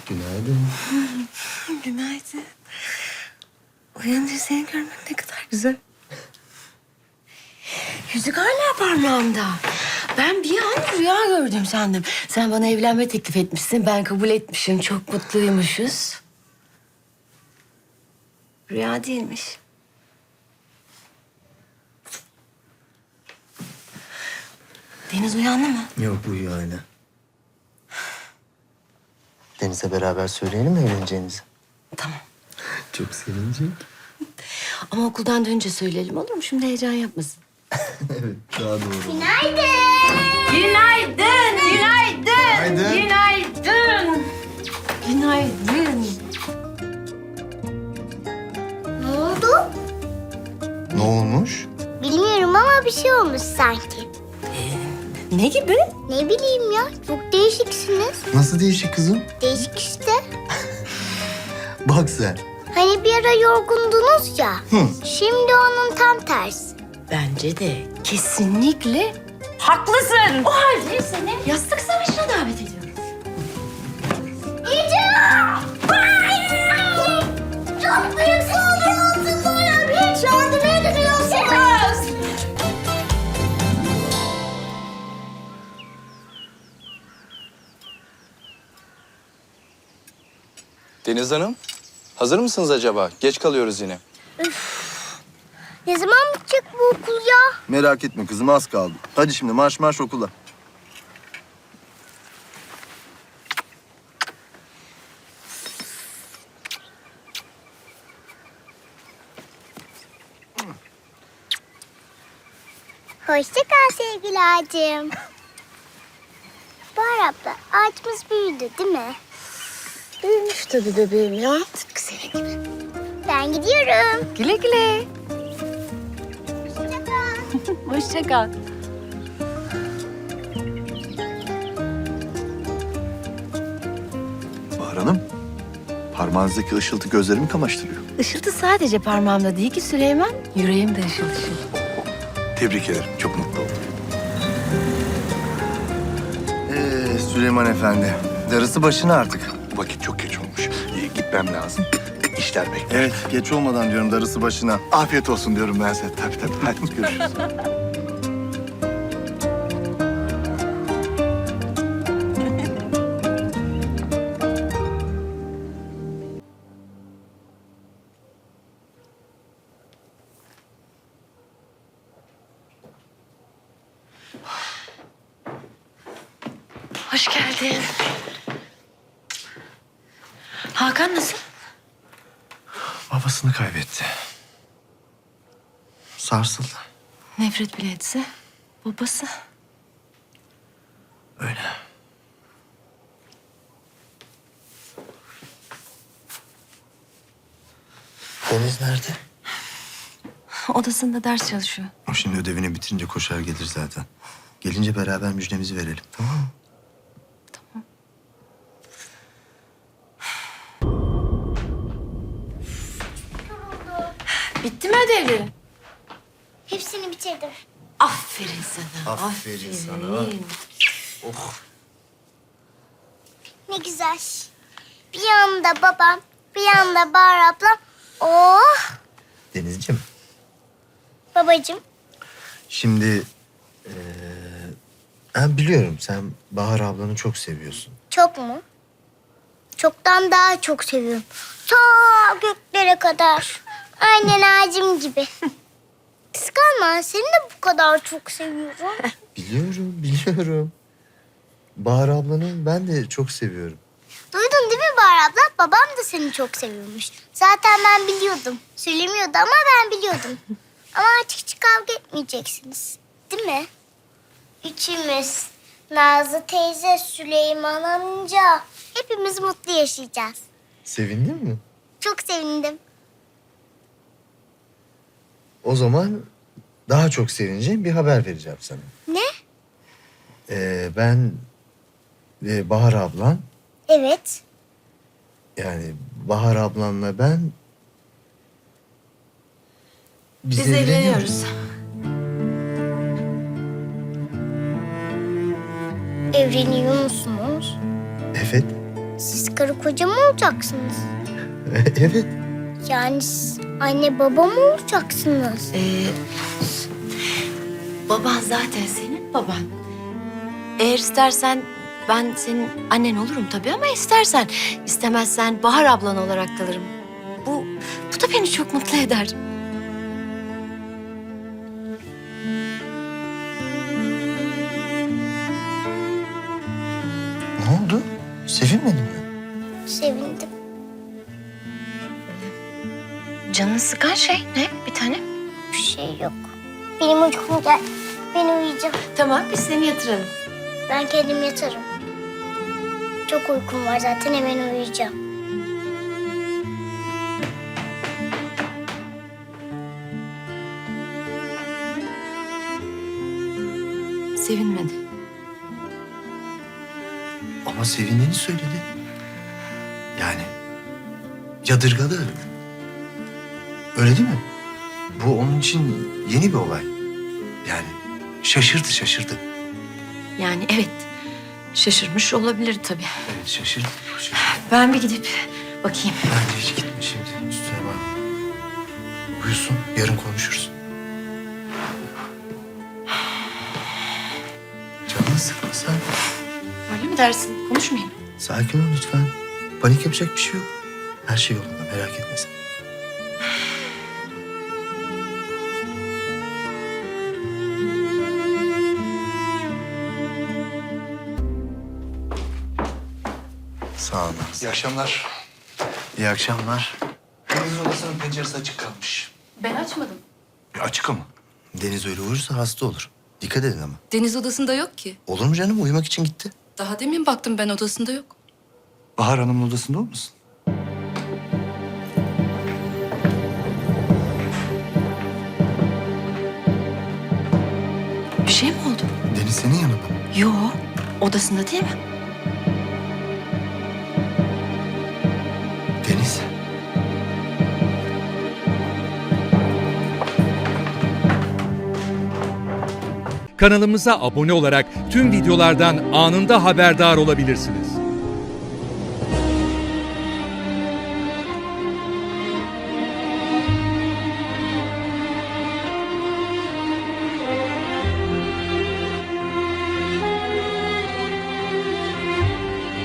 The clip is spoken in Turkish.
Günaydın. Günaydın. Uyanınca seni görmek ne kadar güzel. Yüzük hala parmağımda. Ben bir an rüya gördüm sandım. Sen bana evlenme teklif etmişsin, ben kabul etmişim. Çok mutluymuşuz. Rüya değilmiş. Deniz uyandı mı? Yok, uyuyor hala. Deniz'le beraber söyleyelim mi evleneceğinizi? Tamam. Çok sevinecek. Ama okuldan dönünce söyleyelim, olur mu? Şimdi heyecan yapmasın. Evet, daha doğru. Günaydın. Günaydın. Günaydın. Günaydın. Günaydın. Ne oldu? Ne olmuş? Bilmiyorum ama bir şey olmuş sanki. Ne gibi? Ne bileyim ya, çok değişiksiniz. Nasıl değişik kızım? Değişik işte. Bak sen. Hani bir ara yorgundunuz ya. Hı. Şimdi onun tam tersi. Bence de kesinlikle haklısın. O halde seni yastık savaşına davet ediyorum. Çok büyük saldırı altınlarla bir yardım ediliyorsunuz. Deniz Hanım, hazır mısınız acaba? Geç kalıyoruz yine. Ne zaman bitecek bu okul ya? Merak etme kızım, az kaldı. Hadi şimdi marş marş okula. Hoşça kal sevgili ağacım. Bahar abla, ağacımız büyüdü değil mi? Büyümüş tabii bebeğim ya. Tıpkı senin gibi. Ben gidiyorum. Güle güle. Hoşça kal. Hoşça kal. Bahar Hanım, parmağınızdaki ışıltı gözlerimi kamaştırıyor. Işıltı sadece parmağımda değil ki Süleyman. Yüreğim de ışıl ışıl. Tebrik ederim, çok mutlu oldum. Süleyman Efendi, darısı başına artık. Vakit çok geç olmuş. Gitmem lazım. İşler bekler. Evet, geç olmadan diyorum, darısı başına. Afiyet olsun diyorum ben size. Tabii tabii. Hadi görüşürüz. Hoş geldin. Hakan nasıl? Babasını kaybetti. Sarsıldı. Nefret bile etse babası. Öyle. Deniz nerede? Odasında ders çalışıyor. O şimdi ödevini bitirince koşar gelir zaten. Gelince beraber müjdemizi verelim, tamam mı? Bitti mi ödevlerin? Hepsini bitirdim. Aferin sana. Aferin sana. Ne güzel. Bir yanında babam, bir yanında Bahar ablam. Oh! Denizciğim, Babacığım, şimdi... ben biliyorum sen Bahar ablanı çok seviyorsun. çok mu? Çoktan daha çok seviyorum. Ta göklere kadar. Aynen ağacım gibi. Kıskanma, seni de bu kadar çok seviyorum. Biliyorum. Bahar ablanı ben de çok seviyorum. Duydun değil mi Bahar abla? Babam da seni çok seviyormuş. Zaten ben biliyordum. Söylemiyordu ama ben biliyordum. Ama artık hiç kavga etmeyeceksiniz. Değil mi? Üçümüz. Nazlı teyze, Süleyman amca. Hepimiz mutlu yaşayacağız. Sevindin mi? Çok sevindim. O zaman daha çok sevineceğim bir haber vereceğim sana. Ne? Ben ve Bahar ablan, Evet. yani Bahar ablanla ben... Biz evleniyoruz. Evleniyor musunuz? Evet. Siz karı koca mı olacaksınız? Evet. Yani siz anne baba mı olacaksınız? Baban zaten senin baban. Eğer istersen ben senin annen olurum tabii ama istersen. İstemezsen Bahar ablan olarak kalırım. Bu da beni çok mutlu eder. Ne oldu? Sevinmedin mi? Sevindim. Canını sıkan şey ne bir tane? Bir şey yok. Benim uykum gel. Ben uyuyacağım. Tamam biz seni yatıralım. Ben kendim yatarım. Çok uykum var zaten, hemen uyuyacağım. Sevinmedi. Ama sevindiğini söyledi. Yani yadırgadı. Öyle değil mi? Bu onun için yeni bir olay. Yani şaşırdı. Yani evet şaşırmış olabilir tabii. Evet şaşırdı. Ben bir gidip bakayım. Bence hiç gitme şimdi. Üstüne bak. Uyusun, yarın konuşuruz. Canını sıkma sen. Öyle mi dersin? Konuşmayayım. Sakin ol lütfen. Panik yapacak bir şey yok. Her şey yolunda, merak etme sen. Sağ olun. İyi akşamlar. İyi akşamlar. Deniz odasının penceresi açık kalmış. Ben açmadım. Açık ama. Deniz öyle uyursa hasta olur. Dikkat edin ama. Deniz odasında yok ki. Olur mu canım? Uyumak için gitti. Daha demin baktım ben, odasında yok. Bahar Hanım'ın odasında olmasın? Bir şey mi oldu? Deniz senin yanında mı? Yo, odasında değil mi? Deniz. Kanalımıza abone olarak tüm videolardan anında haberdar olabilirsiniz.